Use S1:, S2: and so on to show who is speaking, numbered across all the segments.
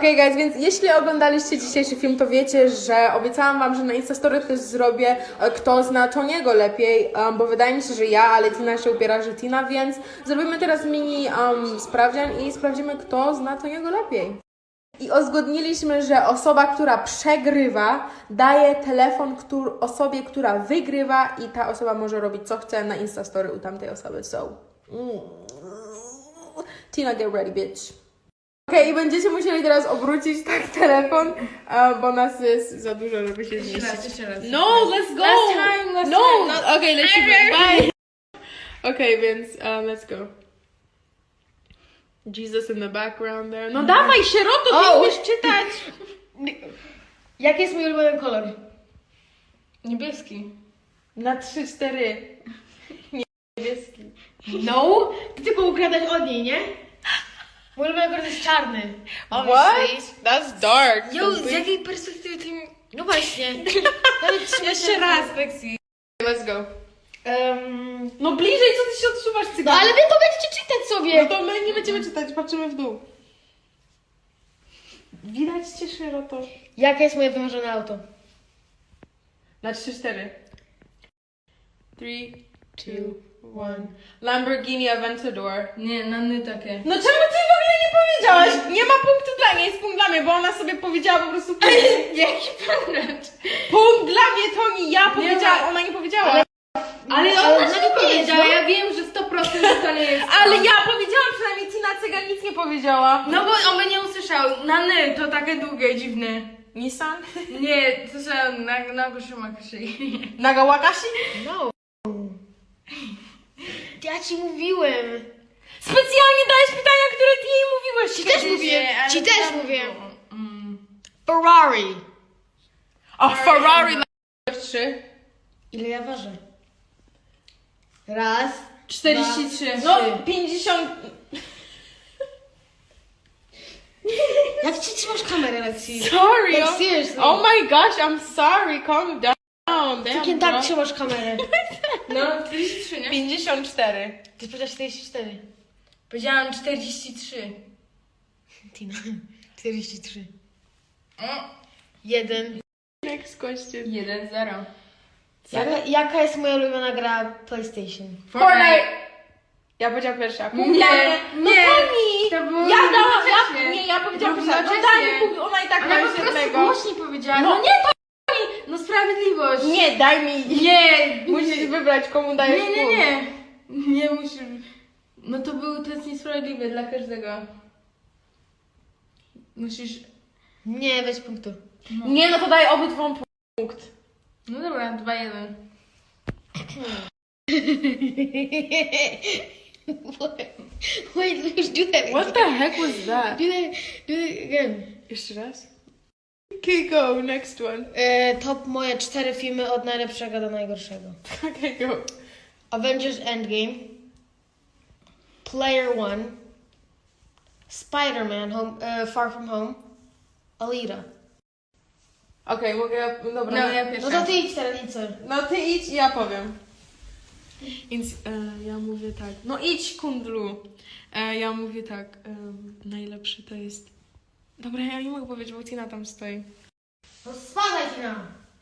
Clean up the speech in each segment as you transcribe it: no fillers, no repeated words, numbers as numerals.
S1: Okej, guys, więc jeśli oglądaliście dzisiejszy film, to wiecie, że obiecałam wam, że na Instastory też zrobię kto zna Toniego lepiej, bo wydaje mi się, że ja, ale Tina się upiera, że Tina, więc zrobimy teraz mini sprawdzian i sprawdzimy, kto zna Toniego lepiej. I uzgodniliśmy, że osoba, która przegrywa, daje telefon osobie, która wygrywa i ta osoba może robić co chce na Instastory u tamtej osoby. So, Tina, get ready, bitch. Okej, i będziecie musieli teraz obrócić tak telefon, bo nas jest za dużo, żeby się zmieścić.
S2: Jeszcze raz.
S1: No, let's go!
S2: Last time.
S1: No, okej, lecimy, bye! Okej, więc let's go. Jesus in the background there. No dawaj, sieroto, ty umiesz czytać!
S2: Jaki jest mój ulubiony kolor? Niebieski.
S1: Na 3-4. Niebieski.
S2: No? Ty tylko ukradasz od niej, nie? Mój ulubiony kolor jest czarny.
S1: What? That's dark.
S2: Jo, z jakiej perspektywy ty mi... No właśnie.
S1: Jeszcze raz. Let's go. No bliżej, co ty się odsuwasz,
S2: No
S1: cygan?
S2: ale wy to będziecie czytać sobie.
S1: No to my nie będziemy czytać, patrzymy w dół. Widać cię, sieroto.
S2: Jakie jest moje wymarzone auto?
S1: Na 3-4. 3, 2, 1. Lamborghini Aventador.
S2: Nie, na takie.
S1: No czemu ty w ogóle nie powiedziałaś? Nie ma punktu dla niej, jest punkt dla mnie, bo ona sobie powiedziała po prostu
S2: Jaki punkt?
S1: punkt dla mnie, Toni, ja powiedziałam, ona nie powiedziała.
S2: Ale ona nie powiedziała, ja wiem, że 100% to nie jest.
S1: Ale ja powiedziałam, przynajmniej Tina Cygan nic nie powiedziała.
S2: No bo on by nie usłyszał. Na ny to takie długie, dziwne.
S1: Nissan?
S2: Nie, to że na Goszymakuszy.
S1: Nagawakashi?
S2: No. Ja ci mówiłem.
S1: Specjalnie dałeś pytania, które ty jej mówiłeś.
S2: Ci też mówiłem. Ci też mówiłem. Ferrari.
S1: O, Ferrari na 3.
S2: Ile ja ważę? Raz.
S1: 43.
S2: 2,
S1: No,
S2: 3.
S1: 50.
S2: Jak ci trzymasz kamerę, Lexi?
S1: Sorry.
S2: Like,
S1: oh-
S2: seriously.
S1: Oh my gosh, I'm sorry. Calm down.
S2: Jakie
S1: Damn,
S2: tak
S1: bro.
S2: trzymasz kamerę? No, 43, nie?
S1: 54.
S2: Ty powiedziałaś 44. Powiedziałam 43. Tina. 43. 1.
S1: Next question.
S2: 1-0. Jaka jest moja ulubiona gra PlayStation?
S1: Fortnite. Ja powiedziałam pierwsza. Punkt
S2: Nie,
S1: dla mnie. No
S2: nie.
S1: Toni!
S2: To było
S1: Ja dałam,
S2: równocześnie.
S1: ja powiedziałam pierwsza. No
S2: Równocześnie.
S1: daj mi punkt, ona i tak ma
S2: Ale
S1: już
S2: po prostu
S1: jednego.
S2: głośniej powiedziałam.
S1: No
S2: nie, no sprawiedliwość.
S1: Nie, daj mi.
S2: Nie.
S1: Musisz wybrać, komu dajesz
S2: Nie,
S1: punkt.
S2: nie. Nie musisz. No to jest niesprawiedliwe dla każdego. Musisz... Nie, weź punktu. No.
S1: Nie, no to daj obydwom punkt.
S2: No dobra, 2-1. Wait, let's do that again.
S1: What the heck was that?
S2: Do that again.
S1: Jeszcze raz. Okay, go, next one.
S2: Top moje 4 filmy od najlepszego do najgorszego.
S1: Okay, go.
S2: Avengers Endgame, Player One, Spider-Man Far From Home, Alita.
S1: Okej, mogę, dobra.
S2: No ja pierwsza. No to ty idź teraz, idź co?
S1: No ty idź i ja powiem. Więc ja mówię tak. No idź, kundlu. Ja mówię tak. Najlepszy to jest... Dobra, ja nie mogę powiedzieć, bo Tina tam stoi.
S2: No spadaj, Tina!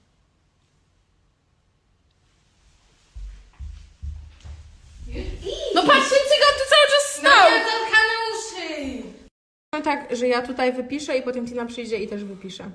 S1: No patrz, ten cygan tu cały czas stał!
S2: zatkane uszy!
S1: No tak, że ja tutaj wypiszę i potem Tina przyjdzie i też wypisze.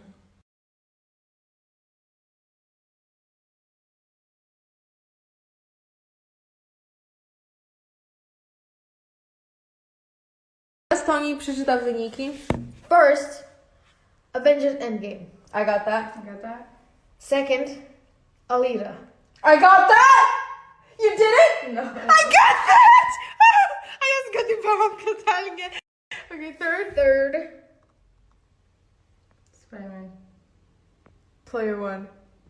S1: Teraz Toni przeczyta wyniki.
S2: First, Avengers Endgame.
S1: Agata.
S2: Second, Alita.
S1: I got that! You did it?
S2: No.
S1: I got that! A ja zgadywałam totalnie. Okay,
S2: Third, Spider-Man.
S1: Player one.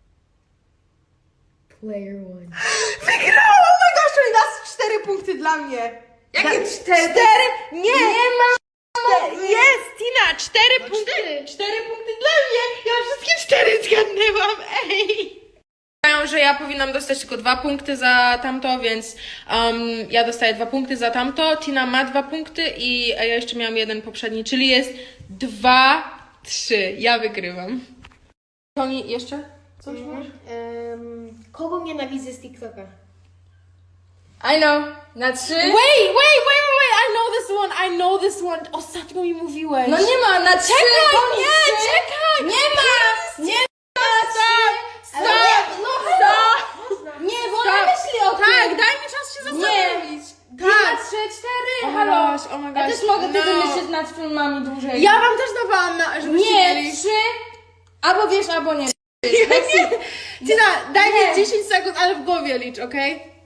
S2: Player One.
S1: Wygrałam! Oh my gosh, czyli dasz 4 punkty dla mnie.
S2: Jakie 4?
S1: 4? Nie!
S2: Nie ma!
S1: Jest, Tina, 4
S2: No
S1: punkty.
S2: 4.
S1: 4 punkty dla mnie. Ja wszystkie 4 zgadnęłam, ej. że ja powinnam dostać tylko 2 punkty za tamto, więc ja dostaję 2 punkty za tamto, Tina ma 2 punkty i ja jeszcze miałam jeden poprzedni, czyli jest 2-3. Ja wygrywam. Toni, jeszcze? Coś masz?
S2: Kogo nienawidzę z TikToka?
S3: I know. Na 3.
S1: Wait, I know this one. Ostatnio mi mówiłeś.
S3: No nie ma, na 3.
S1: Czekaj!
S3: Nie ma! Nie ma!
S1: Stop!
S3: Nie, bo ona myśli o tym.
S1: Tak, daj mi czas się zastanowić.
S3: Tak. 3, 4. Halo.
S1: Oh my gosh,
S3: Ja też mogę
S1: no.
S3: wtedy myśleć nad filmami dłużej.
S1: Ja wam też dawałam, żebyście
S3: Nie,
S1: mieli.
S3: 3. Albo wiesz, albo nie.
S1: Tina, daj
S3: Nie.
S1: mi 10 sekund, ale w głowie licz, okej?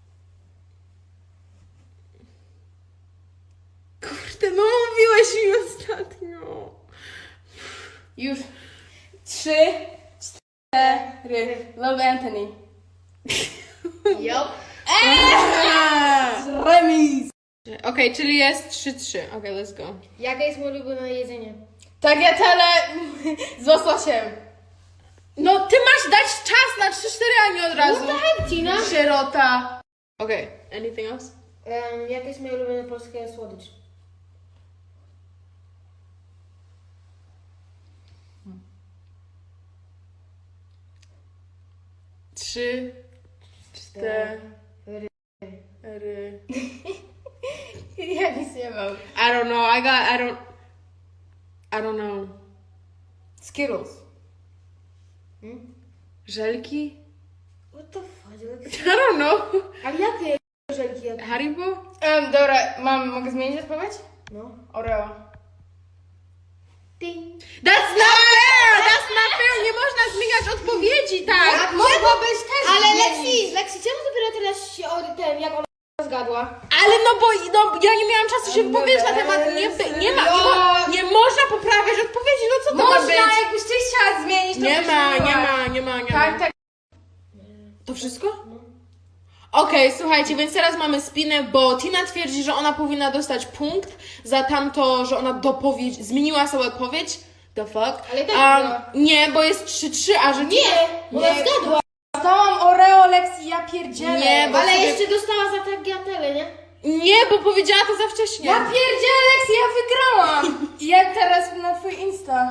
S1: Kurde, no mówiłeś mi ostatnio.
S3: Już. 3, 4. Love Anthony.
S2: Yup.
S3: Remis.
S1: Okej, czyli jest 3-3. Okej, let's go.
S2: Jakie jest moje ulubione jedzenie?
S3: Tagliatelle z łososiem.
S1: No, ty masz dać czas na 3-4, a nie od razu.
S2: What the heck, Tina?
S1: Sierota. Okej, anything else?
S2: Jakie jest moje ulubione polskie słodycz?
S1: Trzy, cztery.
S3: Ja nic nie mam.
S1: I don't know. I don't know.
S3: Skittles.
S1: Żelki?
S2: What the fuck?
S1: I don't know.
S2: Ale jakie żelki?
S1: Haribo?
S3: Dobra, mogę zmienić odpowiedź?
S2: No.
S3: Oreo.
S2: Ding.
S1: That's not fair! That's not fair! Nie można zmieniać odpowiedzi, tak!
S3: Mogłabyś też
S2: Ale
S3: zmienić.
S2: Lexi, czemu dopiero teraz się jak ona zgadła?
S1: Ale ja nie miałam czasu się wypowiedzieć na temat. Nie można poprawiać odpowiedzi, no co to ma
S3: Można,
S1: być?
S3: jakbyś ty chciała zmienić, to
S1: Nie
S3: byś
S1: ma.
S3: zmieniła. Tak.
S1: To wszystko? Okej, słuchajcie, więc teraz mamy spinę, bo Tina twierdzi, że ona powinna dostać punkt za tamto, że ona zmieniła sobie odpowiedź. The fuck?
S2: Ale tak było.
S1: nie, bo jest 3-3, a że Tina...
S2: Nie, ona zgadła.
S3: Dostałam Oreo, Lexi, ja pierdzielę.
S1: Nie, bo
S2: Ale
S1: sobie-
S2: jeszcze dostała za tagliatelle, nie?
S1: Nie, bo powiedziała to za wcześnie.
S3: Ja pierdzielę, Lexi, ja wygrałam. Jak teraz na twój Insta.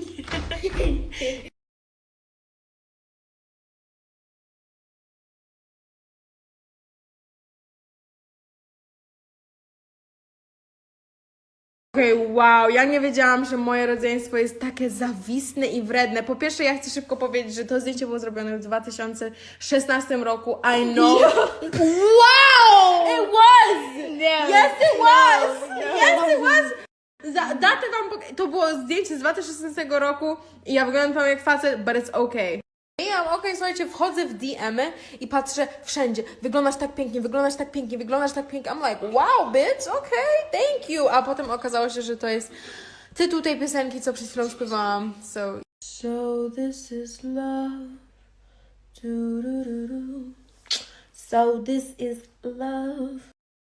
S1: Okej, wow, ja nie wiedziałam, że moje rodzeństwo jest takie zawistne i wredne. Po pierwsze, ja chcę szybko powiedzieć, że to zdjęcie było zrobione w 2016 roku. I know. Wow! It was! Yes, it was! Yes, it was! Datę wam to było zdjęcie z 2016 roku i ja wyglądam tam jak facet, but it's okay. Okej, słuchajcie, wchodzę w DM-y i patrzę wszędzie. Wyglądasz tak pięknie, wyglądasz tak pięknie, wyglądasz tak pięknie. I'm like, wow, bitch, okay, thank you. A potem okazało się, że to jest tytuł tej piosenki, co przed chwilą śpiewałam. So this is love. Du-du-du-du. So this is love.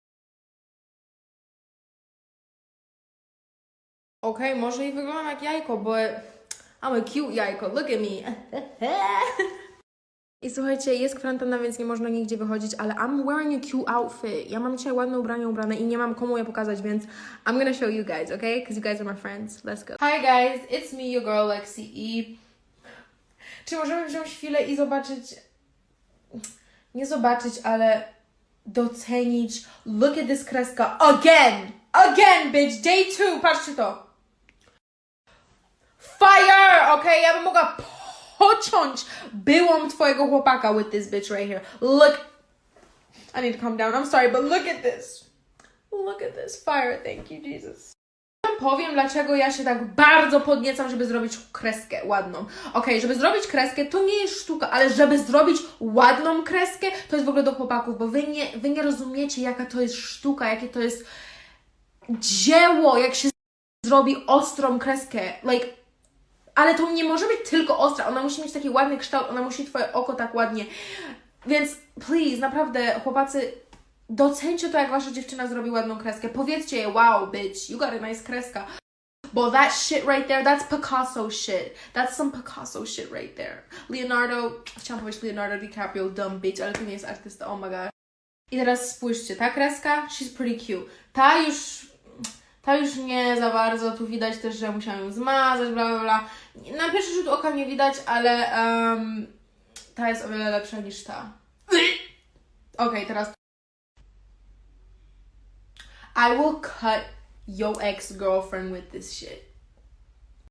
S1: Okej, może i wyglądam jak jajko, bo I'm a cute jajko, look at me. I słuchajcie, jest kwarantanna, więc nie można nigdzie wychodzić, ale I'm wearing a cute outfit. Ja mam dzisiaj ładne ubrane i nie mam komu je pokazać, więc I'm gonna show you guys, okay? Because you guys are my friends. Let's go. Hi guys, it's me, your girl Lexi i... Czy możemy wziąć chwilę i zobaczyć... Nie zobaczyć, ale docenić... Look at this kreska again! Again, bitch! Day 2, patrzcie to! Fire! Okay, ja bym mogła pociąć byłą twojego chłopaka with this bitch right here. Look. I need to calm down. I'm sorry, but look at this. Look at this. Fire. Thank you, Jesus. Powiem, dlaczego ja się tak bardzo podniecam, żeby zrobić kreskę ładną. Okej, żeby zrobić kreskę, to nie jest sztuka, ale żeby zrobić ładną kreskę, to jest w ogóle do chłopaków, bo wy nie rozumiecie, jaka to jest sztuka, jakie to jest dzieło, jak się zrobi ostrą kreskę. Like, ale to nie może być tylko ostra, ona musi mieć taki ładny kształt, ona musi twoje oko tak ładnie. Więc please, naprawdę, chłopacy, docencie to, jak wasza dziewczyna zrobi ładną kreskę. Powiedzcie jej, wow, bitch, you got a nice kreska. But that shit right there, that's Picasso shit. That's some Picasso shit right there. Chciałam powiedzieć Leonardo DiCaprio, dumb bitch, ale to nie jest artysta, oh my god. I teraz spójrzcie, ta kreska, she's pretty cute. Ta już nie za bardzo, tu widać też, że musiałam ją zmazać, bla bla bla. Na pierwszy rzut oka nie widać, ale ta jest o wiele lepsza niż ta. Okej, teraz I will cut your ex-girlfriend with this shit.